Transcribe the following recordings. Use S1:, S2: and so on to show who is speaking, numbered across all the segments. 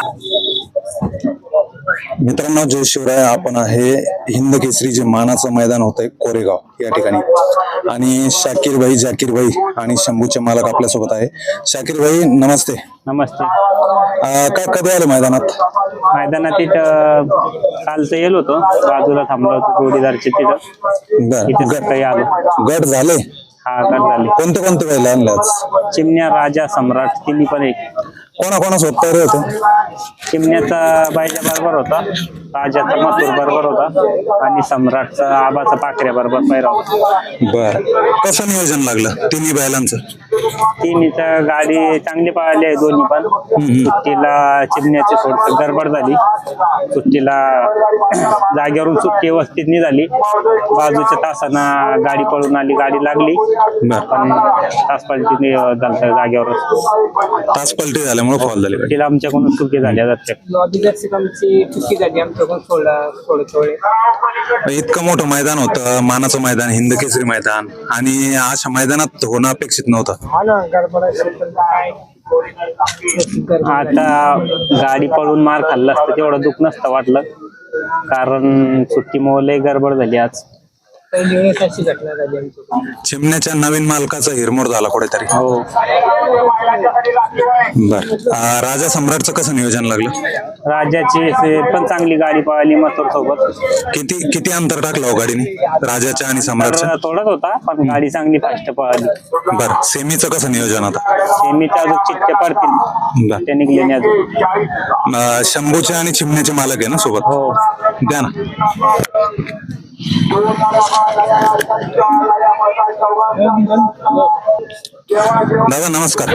S1: मित्रांनो, जय शिवराय. आपण आहे हिंद केसरी जे मानाचं मैदान होतंय कोरेगाव या ठिकाणी, आणि शाकीर भाई, जाकीर भाई आणि शंभूचे मालक आपल्यासोबत आहे. शाकीर भाई नमस्ते.
S2: नमस्ते.
S1: काय कधी आलं मैदानात?
S2: मैदानात इथं कालचं येलो होतो, बाजूला थांबलो होतो जोडीदारचे तिथं.
S1: बर,
S2: सकाळी आलो.
S1: गट झाले?
S2: हा, गट झाले.
S1: कोणते कोणते बैल आणले आज?
S2: चिमण्या, राजा, सम्राट तिन्ही पण एक.
S1: कोणाकोणासोबत तयारी होते?
S2: चिमण्याचा बायजा बरोबर होता, राजाचा मथुर बरोबर होता आणि सम्राटचा आबाचा पाकऱ्या बरोबर पैरा होता.
S1: बर, कसं नियोजन लागलं तिन्ही बैलांचं?
S2: तिन्हीचा गाडी चांगली पळाली आहे दोन्ही पण. सुट्टीला चिमण्याची थोडस गडबड झाली, सुट्टीला जागेवरून सुट्टी व्यवस्थित नाही झाली. बाजूच्या तासांना गाडी पळून आली, गाडी लागली पण तास पलटी झालं जागेवर.
S1: तास पलटी झाल्यामुळे फॉल झाले.
S2: तिला आमच्याकडून चुकी झाल्या जाते.
S3: चुकी झाली आमच्याकडून.
S1: इतकं मोठं मैदान होतं, मानाचं मैदान, हिंद केसरी मैदान, आणि अशा मैदानात होणं अपेक्षित नव्हतं.
S2: आता गाडी पळून मार खाल्ला असतं तेवढं दुःख नसतं वाटलं, कारण सुट्टीमुळे लय गडबड झाली आज.
S3: पहिली वेळेस अशी घटना झाली आमची.
S1: चिमण्याच्या नवीन मालकाचा हिरमोड झाला कुठेतरी.
S2: हो.
S1: बर, राजा सम्राटचं कसं नियोजन लागलं?
S2: राजाची पण चांगली गाडी पळाली मथुर सोबत.
S1: किती किती अंतर टाकलं हो गाडीने राजाच्या आणि सम्राटचं?
S2: थोडाच होता पण गाडी चांगली फास्ट पळाली.
S1: बर, सेमीचं कसं नियोजन आता?
S2: सेमीच्या अजून चिठ्ठ्या पडतील,
S1: बर.
S2: ते निघले अजून.
S1: शंभूचे आणि चिमण्याचे मालक आहे ना सोबत?
S2: हो.
S1: द्या ना. दादा नमस्कार.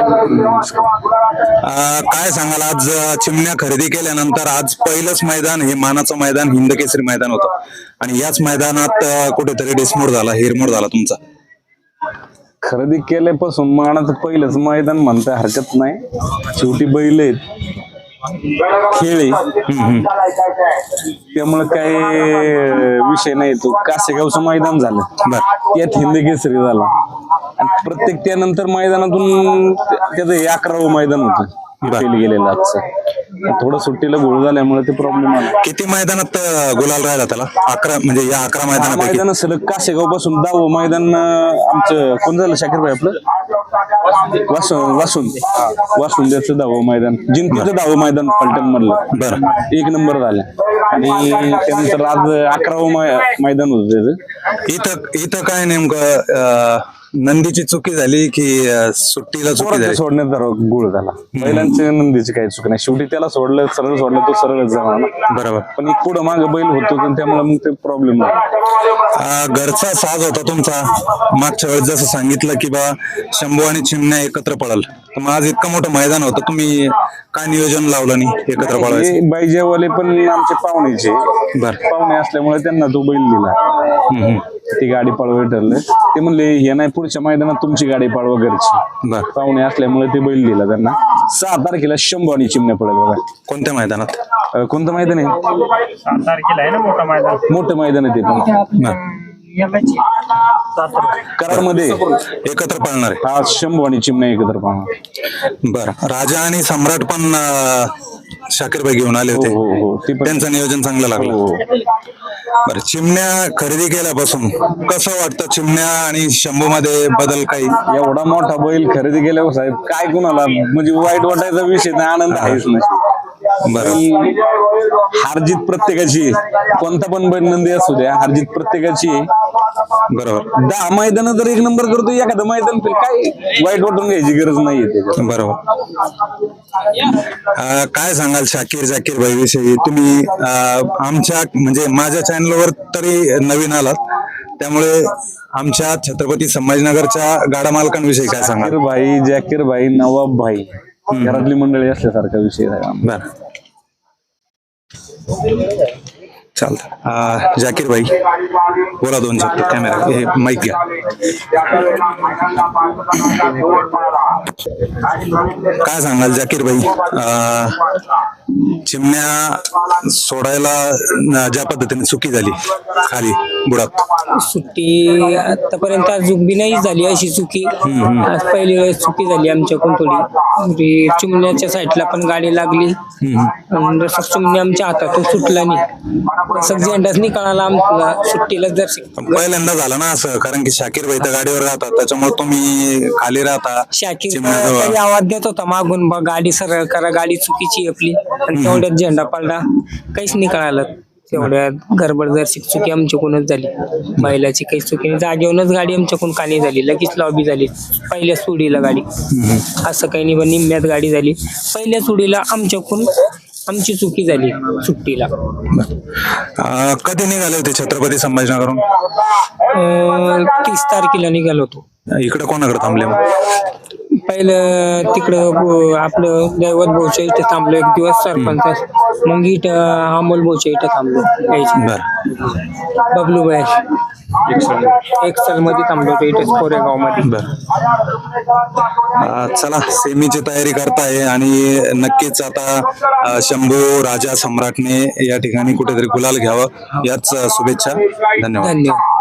S1: काय सांगाल, आज चिमण्या खरेदी केल्यानंतर आज पहिलंच मैदान, हे मानाचं मैदान, हिंद केसरी मैदान होतं, आणि याच मैदानात कुठेतरी डिसमोड झाला, हिरमोड झाला तुमचा.
S4: खरेदी केल्यापासून मानाचं पहिलंच मैदान म्हणता हरकत नाही. शेवटी बैल आहेत, खेळ आहे, त्यामुळे काही विषय नाही. तो कासेगावचं मैदान झालं, त्यात हिंद केसरी झाला, आणि प्रत्येक त्यानंतर मैदानातून त्याचं 11वं मैदान होतं गेलेलं. आजचं थोडं सुट्टीला गोळ झाल्यामुळे ते प्रॉब्लेम आला.
S1: किती मैदानात गुलाल राहिला त्याला? 11, म्हणजे या 11
S4: मैदान सलग कासेगाव पासून 10वं मैदान आमचं. कोण झालं शाकीर भाई आपलं? वासून त्याचं 10वं मैदान, जिंतीचं 10वं मैदान पलटण मधलं.
S1: बरं,
S4: 1 नंबर झाला. आणि त्यानंतर आज 11वं मैदान होतं त्याचं.
S1: इथं काय नेमकं नंदीची चुकी झाली की सुट्टीला चुकी झाली?
S4: सोडण्याचा गुळ झाला. बैलांची नंदीची काही चुकी नाही. शेवटी त्याला सोडलं, सरळ सोडलं, तो सरळच जाणार ना.
S1: बरोबर.
S4: पण एक पुढं मागं बैल होतो, त्यामुळे मग ते प्रॉब्लेम झाला.
S1: घरचा साज होता तुमचा. मागच्या वेळेस जसं सांगितलं की बा शंभू आणि चिमण्या एकत्र पळाल, तर मग आज इतकं मोठं मैदान होतं, तुम्ही काय नियोजन लावलं नाही एकत्र पळायचं?
S4: बाईजेवाले पण आमचे पाहुणेचे.
S1: बरं.
S4: पाहुणे असल्यामुळे त्यांना तो बैल दिला. ती गाडी पळवायला ठरलं. ते म्हणले हे नाही, पुढच्या मैदानात तुमची गाडी पळवा घरची.
S1: बरं.
S4: पाहुणे असल्यामुळे ते बैल दिला त्यांना. 6 तारखेला शंभू आणि चिमण्या पळेल बघा.
S1: कोणत्या मैदानात?
S4: कोणतं मैदान आहे?
S2: 7 तारखेला आहे ना मोठं मैदान.
S4: मोठं मैदान आहे ते पण. कराडमध्ये
S1: एकत्र पळणार आहे.
S4: हा, शंभू आणि चिमण्या एकत्र पळणार.
S1: बरं. राजा आणि सम्राट पण शाकीर भाई घेऊन आले होते.
S4: हो,
S1: त्यांचं नियोजन चांगलं लागलं. बरं, चिमण्या खरेदी केल्यापासून कसं वाटतं? चिमण्या आणि शंभू मध्ये बदल काही?
S4: एवढा मोठा बैल खरेदी केल्यावर साहेब काय कुणाला म्हणजे वाईट वाटायचा विषय नाही, आनंद आहेच नाही.
S1: बरं.
S4: हारजीत प्रत्येकाची, कोणता पण बैल नंदी असू द्या, हारजीत प्रत्येकाची.
S1: बरोबर.
S4: 10 मैदान जर 1 नंबर करतो, एखादं मैदान काय वाईट वाटून घ्यायची गरज नाहीये.
S1: बरोबर. काय सांगाल शाकीर, जाकीर भाई विषयी? तुम्ही आमच्या म्हणजे माझ्या चॅनलवर तरी नवीन आलात, त्यामुळे आमच्या छत्रपती संभाजीनगरच्या गाडा मालकांविषयी काय सांगाल?
S4: शाकीर भाई, जाकीर भाई, नवाब भाई, घरातली मंडळी असल्यासारखा विषय आहे.
S1: बर, चालतं. जाकीर भाई बोला 2 शब्द. कॅमेरा हे माईक घ्या. काय सांगाल जाकीर भाई, चिमण्या सोडायला ज्या पद्धतीने चुकी झाली खाली बुडात,
S3: सुट्टी आतापर्यंत अजून बी नाही झाली अशी चुकी. आज पहिली वेळेस चुकी झाली आमच्याकडून थोडी. चिमण्याच्या साईडला पण गाडी लागली आणि रसक चिमणी आमच्या हातातून सुटला नाही. रसक झेंडाच नाही कळाला आमला सुट्टीला जर
S1: पण पहिल्यांदा झालं ना असं, कारण की शाकीर भाई तर गाडीवर राहतात, त्याच्यामुळे तुम्ही खाली राहता
S3: शाकीर
S1: चिमण्याजवळ.
S3: काही आवाज देत होता मागून, बा गाडी सरळ करा, गाडी चुकीची आहे आपली. आणि तेवढ्यात झेंडा पडला, काहीच नाही कळालं. तेवढ्यात गडबड जर चुकी आमच्याकडूनच झाली. बैलाची काही चुकी नाही, जागेवरूनच गाडी आमच्याकडून कानी झाली, लगेच लॉबी झाली पहिल्या सुडीला गाडी. असं काही नाही, पण निम्म्यात गाडी झाली. पहिल्या सुडीला आमच्याकडून आमची चुकी झाली सुट्टीला.
S1: कधी निघाले होते छत्रपती संभाजीनगरहून?
S3: 30 तारखेला निघालो होतो.
S1: इकडे कोणाकडे थांबले मग?
S3: पहिलं तिकडं आपलं दैवत भाऊच्या इथे थांबलो एक दिवस सरपंच. मग इथं अमोल भाऊच्या इथं थांबलो.
S1: बर
S3: बबलू बाय एक्सल मध्ये थांबलो होतो इथेच कोरेगाव मध्ये.
S1: बर. चला, सेमीची तयारी करताय आणि नक्कीच आता शंभू राजा सम्राटने या ठिकाणी कुठेतरी गुलाल घ्यावं, याच शुभेच्छा. धन्यवाद.
S3: धन्यवाद.